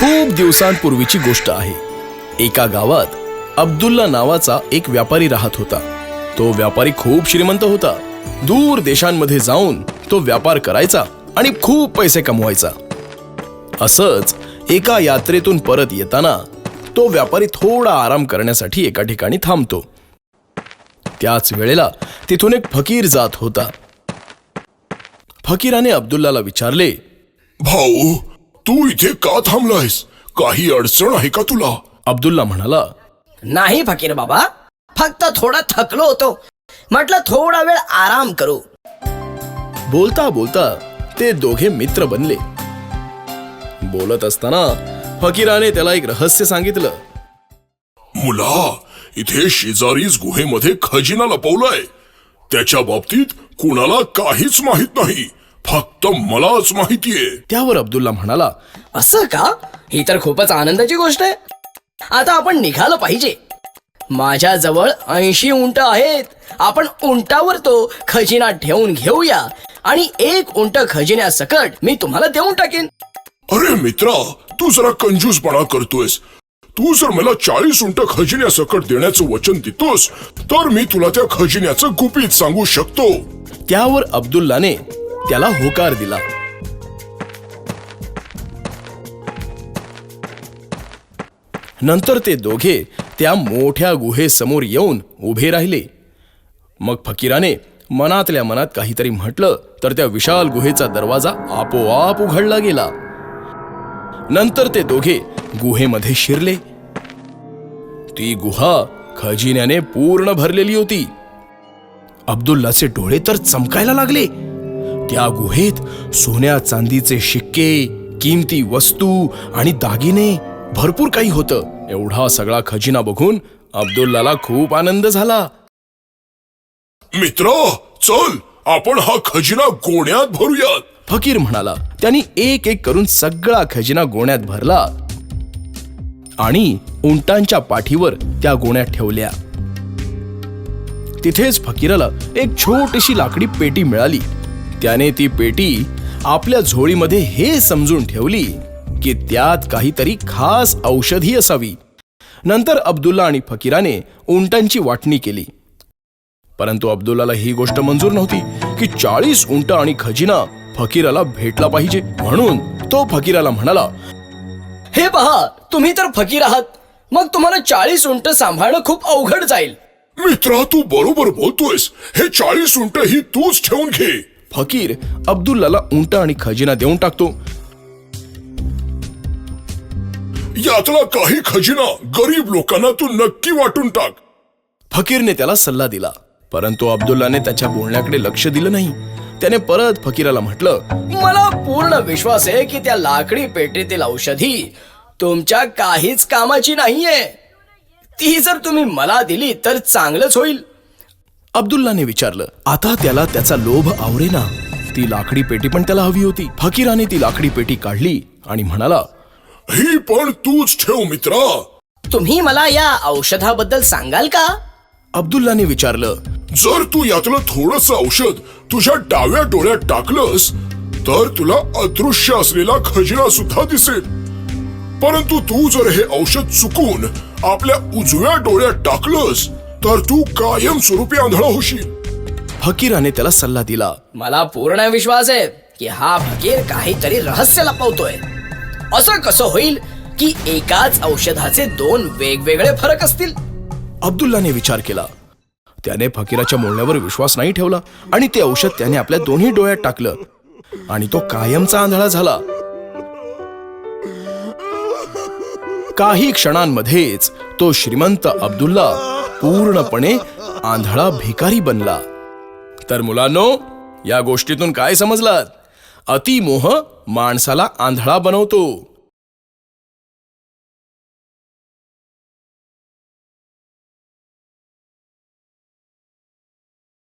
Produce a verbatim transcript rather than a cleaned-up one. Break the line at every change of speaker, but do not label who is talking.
खूप दिवसांपूर्वीची गोष्ट आहे. एका गावात अब्दुल्ला नावाचा एक व्यापारी राहत होता. तो व्यापारी खूप श्रीमंत होता. दूर देशांमध्ये जाऊन तो व्यापार करायचा आणि खूप पैसे कमवायचा. असंच एका यात्रेतून परत येताना तो व्यापारी थोडा आराम करण्यासाठी एका ठिकाणी थांबतो. त्याच वेळेला तिथून एक फकीर जात होता. फकीराने अब्दुल्लाला विचारले,
भाऊ, तू इथे का थांबलायस? काही अडचण आहे का तुला?
अब्दुल्ला म्हणाला,
नाही फकीर बाबा, फक्त थोडा थकलो होतो, म्हटलं थोडा वेळ आराम करू.
बोलता बोलता ते दोघे मित्र बनले. बोलत असताना फकीराने त्याला एक रहस्य सांगितलं.
मुला, इथे शेजारीच गुहेमध्ये खजिना लपवलाय. त्याच्या बाबतीत कुणाला काहीच माहित नाही, फक्त मलाच माहितीये.
त्यावर अब्दुल्ला म्हणाला,
असं का? ही तर खूपच आनंदाची गोष्ट आहे. आता आपण निघालं पाहिजे. माझ्या जवळ ऐंशी उंट आहेत. आपण उंटावर तो खजिना ठेवून घेऊया आणि एक उंट खजिन्यासकट मी तुम्हाला देऊन टाकेन.
अरे मित्रा, तू जरा कंजूसपणा करतोयस. तू जर मला चाळीस उंट खजिन्यासकट देण्याचं वचन देतोस तर मी तुला त्या खजिन्याचं गुपित सांगू शकतो.
त्यावर अब्दुल्लाने त्याला होकार दिला. नंतर ते दोघे त्या मोठ्या गुहेसमोर येऊन उभे राहिले. मग फकीराने मनातल्या मनात काहीतरी म्हटलं तर त्या विशाल गुहेचा दरवाजा आपोआप उघडला गेला. नंतर ते दोघे गुहेमध्ये शिरले. ती गुहा खजिन्याने पूर्ण भरलेली होती. अब्दुल्लाचे डोळे तर चमकायला लागले. त्या गुहेत सोन्या चांदीचे शिक्के, किमती वस्तू आणि दागिने भरपूर काही होतं. एवढा सगळा खजिना बघून अब्दुल्लाला खूप आनंद झाला.
मित्रा, चल आपण हा खजिना गोण्यात भरूयात,
फकीर म्हणाला. त्यांनी एक एक करून सगळा खजिना गोण्यात भरला आणि उंटांच्या पाठीवर त्या गोण्यात ठेवल्या. तिथेच फकीराला एक छोटीशी लाकडी पेटी मिळाली. त्याने ती पेटी आपल्या झोळीमध्ये हे समजून ठेवली की त्यात काहीतरी खास औषधी असावी. नंतर अब्दुल्ला आणि फकीराने उंटांची वाटणी केली. परंतु अब्दुल्लाला ही गोष्ट मंजूर नव्हती की चाळीस उंट आणि खजिना फकीराला भेटला पाहिजे. म्हणून तो फकीराला म्हणाला,
हे पहा, तुम्ही तर फकीर आहात, मग तुम्हाला चाळीस उंट सांभाळणं खूप अवघड जाईल.
मित्रा, तू बरोबर बोलतोयस. हे चाळीस उंट ही तूच ठेवून घे.
फकीर अब्दुल्लाला उंट आणि खजिना देऊन टाकतो.
यातला काही खजिना गरीब लोकांना तू नक्की वाटून टाक.
फकीरने त्याला सल्ला दिला. परंतु अब्दुल्लाने त्याच्या बोलण्याकडे लक्ष दिलं नाही. त्याने परत फकीराला म्हटलं,
मला पूर्ण विश्वास आहे की त्या लाकडी पेटीतील औषधी तुमच्या काहीच कामाची नाहीये. ती जर तुम्ही मला दिली तर चांगलंच होईल.
अब्दुल्लाने विचारलं. आता त्याला त्याचा लोभ आवरेना. ती लाकडी पेटी पण त्याला हवी होती. फकीराने ती लाकडी पेटी काढली आणि म्हणाला,
ही पण तूच ठेव मित्रा.
तुम्ही मला या औषधाबद्दल सांगाल का?
अब्दुल्लाने विचारलं.
जर तू यातलं थोडस औषध तुझ्या डाव्या डोळ्यात टाकलंस तर तुला अदृश्य असलेला खजिना सुद्धा दिसेल. परंतु तू जर हे औषध चुकून आपल्या उजव्या डोळ्यात टाकलंस तर तू कायम स्वरूपी आंधळा होशील.
फकीराने त्याला सल्ला दिला.
मला पूर्ण विश्वास आहे की हा फकीर काहीतरी रहस्य लपवतोय. असं कसं होईल की एकाच औषधाचे दोन वेगवेगळे फरक असतील?
अब्दुल्लाने विचार केला. त्याने फकीराच्या बोलण्यावर विश्वास नाही ठेवला आणि ते औषध त्याने आपल्या दोन्ही डोळ्यात टाकलं आणि तो कायमचा आंधळा झाला. काही क्षणांमध्येच तो श्रीमंत अब्दुल्ला पूर्णपणे आंधळा भिकारी बनला. तर मुलांनो, या गोष्टीतून काय समजलात? अतिमोह माणसाला आंधळा बनवतो.